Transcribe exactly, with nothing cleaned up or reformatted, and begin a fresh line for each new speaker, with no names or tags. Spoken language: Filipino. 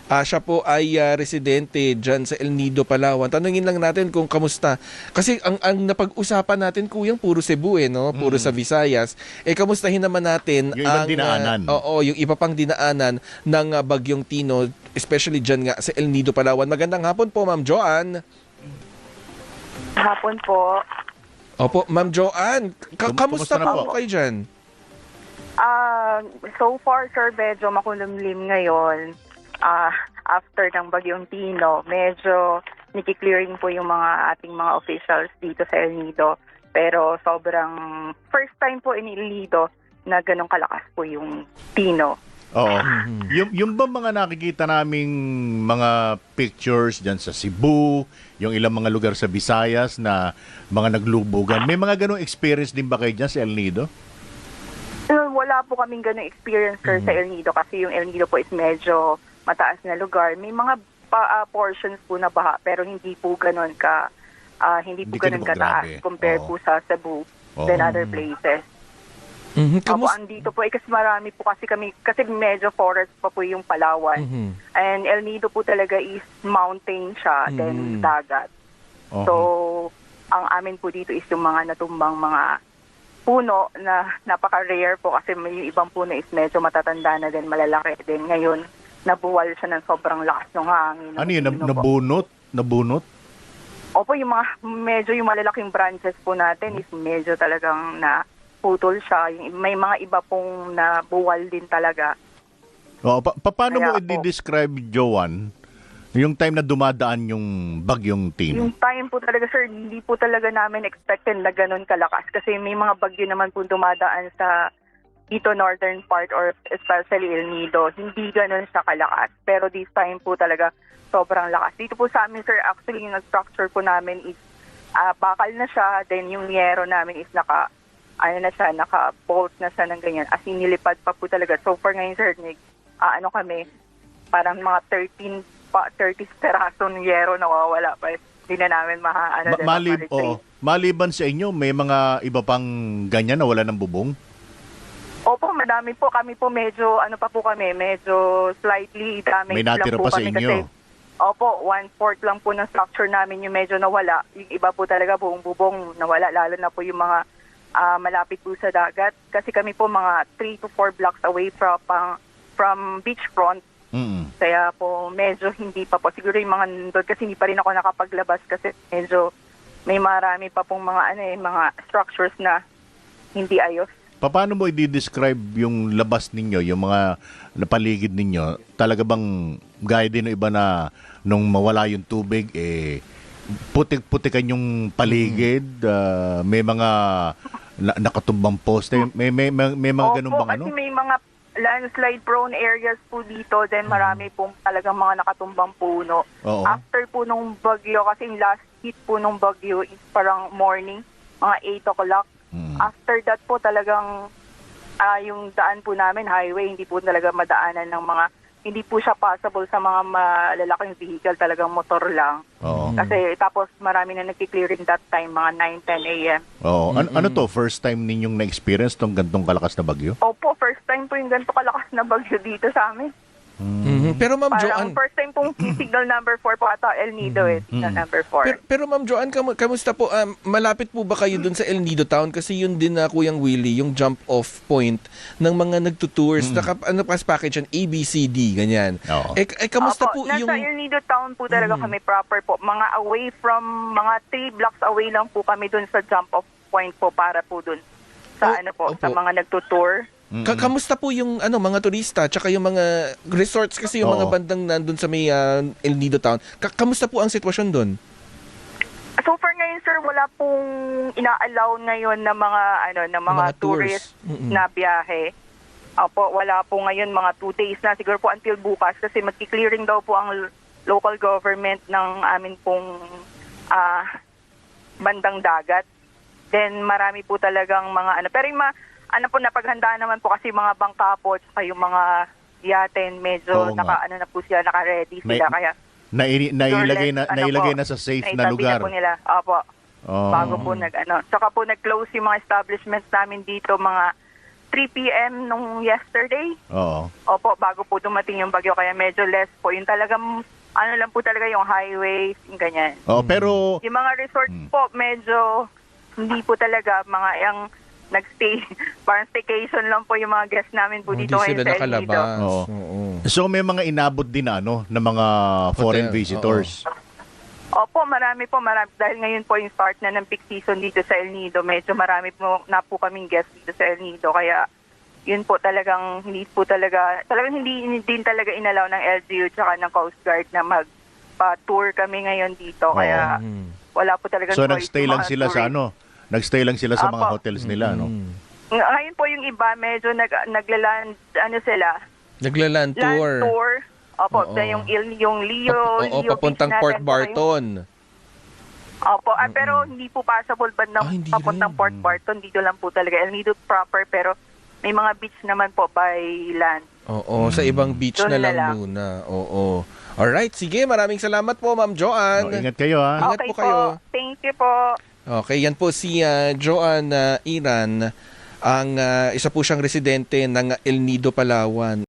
Ah, siya po ay ah, residente dyan sa El Nido, Palawan. Tanungin lang natin kung kamusta. Kasi ang, ang napag-usapan natin, kuyang puro Cebu eh, no? Puro sa
Mm.
Visayas. Eh, kamustahin naman natin
Yung ibang
ang,
dinaanan.
ah, oo, yung iba pang dinaanan ng ah, Bagyong Tino, especially dyan nga sa El Nido, Palawan. Magandang hapon po, Ma'am Joanne.
Hapon po.
Opo, Ma'am Joanne. Ka-
Kum-
kamusta
kumusta na
po
po?
kayo dyan?
Ah, so far, sir, medyo makulimlim ngayon. Ah, after ng Bagyong Tino, medyo nikiklearing po yung mga ating mga officials dito sa El Nido. Pero sobrang first time po in El Nido na ganun kalakas po yung Tino.
Oo. Yung, yung ba mga nakikita naming mga pictures dyan sa Cebu, yung ilang mga lugar sa Visayas na mga naglubugan, may mga ganong experience din ba kayo dyan sa El Nido?
Uh, wala po kaming ganung experience, sir, sa El Nido kasi yung El Nido po is medyo mataas na lugar. May mga pa, ah, portions po na baha pero hindi po ganun ka ah, hindi po
Hindi
ganun
ganun
kataas
grabe.
compared
Oo.
po sa Cebu
Oo.
than other places.
Mhm,
Opo,
kamus-
andito po eh, kasi marami po kasi kami, kasi medyo forest pa po yung Palawan.
Mhm.
And El Nido po talaga is mountain siya, then
Mhm.
dagat.
Oo.
So, ang amin po dito is yung mga natumbang mga puno na napaka-rare po kasi may yung ibang puno is medyo matatanda na din, malalaki din. Ngayon, nabuwal siya ng sobrang lakas ng hangin.
Ano yun?
Ng
Nab- Nabunot? Nabunot?
Opo, yung mga medyo yung malalaking branches po natin is medyo talagang na putol siya. Yung, may mga iba pong nabuwal din talaga.
Oo. Pa- pa- paano mo
Kaya po-
i-describe, Joanne, yung time na dumadaan yung Bagyong Tino?
Yung time po talaga, sir, hindi po talaga namin expected na ganun kalakas kasi may mga bagyo naman po dumadaan sa dito northern part or especially El Nido. Hindi ganun siya kalakas. Pero this time po talaga sobrang lakas. Dito po sa amin, sir, actually yung structure po namin is ah, bakal na siya. Then yung yero namin is naka, ano na siya, naka-bolt na siya ng ganyan. As in, nilipad pa po talaga. So for ngayon, sir, Nick, ah, ano kami, parang mga thirteen pa, thirty peraso ng yero nawawala pa. Hindi na namin maha, ano,
Ma-
din,
malib,
ma-retrieve.
oo. Maliban sa inyo, may mga iba pang ganyan na wala ng bubong?
Opo, madami po. Kami po medyo, ano pa po kami, medyo slightly damaged
May natira
lang po
pa sa
kami
inyo.
kasi, opo, one-fourth lang po ng structure namin yung medyo nawala. Yung iba po talaga buong bubong nawala, lalo na po yung mga ah, malapit po sa dagat. Kasi kami po mga three to four blocks away from, pang, from beachfront.
Mm.
Kaya po medyo hindi pa po. Siguro yung mga nandun kasi hindi pa rin ako nakapaglabas kasi medyo may marami pa pong mga, ano eh, mga structures na hindi ayos.
Paano mo i-describe yung labas ninyo, yung mga napaligid ninyo? Talaga bang gaya din ng iba na nung mawala yung tubig, eh, putik-putikan yung paligid, ah, may mga na- nakatumbang poste, may, may, may, may mga ganun
Opo,
bang ano?
kasi may mga landslide prone areas po dito, then marami pong talagang mga nakatumbang puno.
Oo.
After po nung bagyo, kasi yung last hit po nung bagyo is parang morning, mga eight o'clock.
Mm.
After that po talagang ah, yung daan po namin, highway, hindi po talaga madaanan ng mga, hindi po siya possible sa mga malalaking vehicle, talagang motor lang.
Oo.
Kasi tapos marami na nagki-clearing that time, mga nine ten a.m.
Oo. An- ano to, first time ninyong na-experience tong gantong kalakas na bagyo?
Opo, first time po yung ganito kalakas na bagyo dito sa amin.
Mhm. Pero Ma'am
Parang
Joanne,
first time pong signal number four po ata El Nido eh, signal number four.
pero, pero Ma'am Joanne, kam- kamusta po? Um, malapit po ba kayo dun sa El Nido Town? Kasi yun din na Kuyang Willie, yung jump off point ng mga nagtutours. Naka, ano pas package yan? A, B, C, D, ganyan.
Oo.
Eh, eh, kamusta
Opo,
po
nasa
yung...
El Nido Town po talaga kami proper po. Mga away from, mga three blocks away lang po kami dun sa jump off point po para po dun
Oh,
sa ano po, sa
opo.
mga nagtutour.
Ka- kamusta po yung ano mga turista tsaka yung mga resorts kasi yung mga
Oo.
bandang nandun sa may ah, El Nido Town. Ka- kamusta po ang sitwasyon doon?
So far ngayon, sir, wala pong ina-allow ngayon na mga ano na mga,
Mga tours.
tourist
Mm-mm.
na biyahe. Opo, wala po ngayon mga two days na siguro po until bukas kasi magki-clearing daw po ang l- local government ng amin pong ah, bandang dagat. Then marami po talagang mga ano pero yung mga, ano po napaghandaan naman po kasi mga bangka po at yung mga yaten medyo
Oo nga.
naka ano na po sila naka-ready
May-
sila kaya
Nai- nailagay na,
ano
nailagay
po,
na sa safe na
naitabi
lugar.
po nila. Opo.
Oo.
Bago po nag ano. Saka po nag-close yung mga establishments namin dito mga three p.m. nung yesterday.
Oo.
Opo, bago po dumating yung bagyo, kaya medyo less po. Yung talagang, ano lang po talaga yung highways, yung ganyan.
Oo, pero
Yung mga resorts
Hmm.
po, medyo hindi po talaga mga yung nagstay, parang staycation lang po yung mga guests namin po
Hindi
dito ngayon
sila
sa El Nido.
nakalabas.
Oo.
Oo.
so may mga inabot din na ano ng mga foreign
Hotel,
visitors.
Opo, marami po, marami. Dahil ngayon po yung start na ng peak season dito sa El Nido, medyo marami po na po kaming guests dito sa El Nido. Kaya yun po talagang, hindi po talaga, talagang hindi din talaga inalaw ng L G U tsaka ng Coast Guard na magpa-tour kami ngayon dito. Kaya
Mm.
wala po talaga
So nagstay lang sila sa ano? Nagstay lang sila sa mga
Apo.
hotels nila, no?
Mm.
Ngayon po yung iba, medyo nag, naglaland, ano sila,
Naglaland
land
tour.
tour. Opo,
Oo.
sa yung, Il- yung Leo,
Pap- Oo,
Leo
papuntang
Beach
Port
natin, saka yung-
Barton.
Opo, ah, pero hindi po possible bandang
Ah, hindi
papuntang
rin.
Port Barton. Dito lang po talaga. El Nido proper, pero may mga beach naman po by land.
Oo, sa ibang beach
Doon
na
na
lang
lang.
muna. Oo. Alright, sige. Maraming salamat po, Ma'am Joanne.
Oh, ingat kayo, ha?
Ingat
Okay
po kayo.
Thank you po.
Okay, yan po si ah, Joanne ah, Iran. Ang ah, isa po siyang residente ng El Nido, Palawan.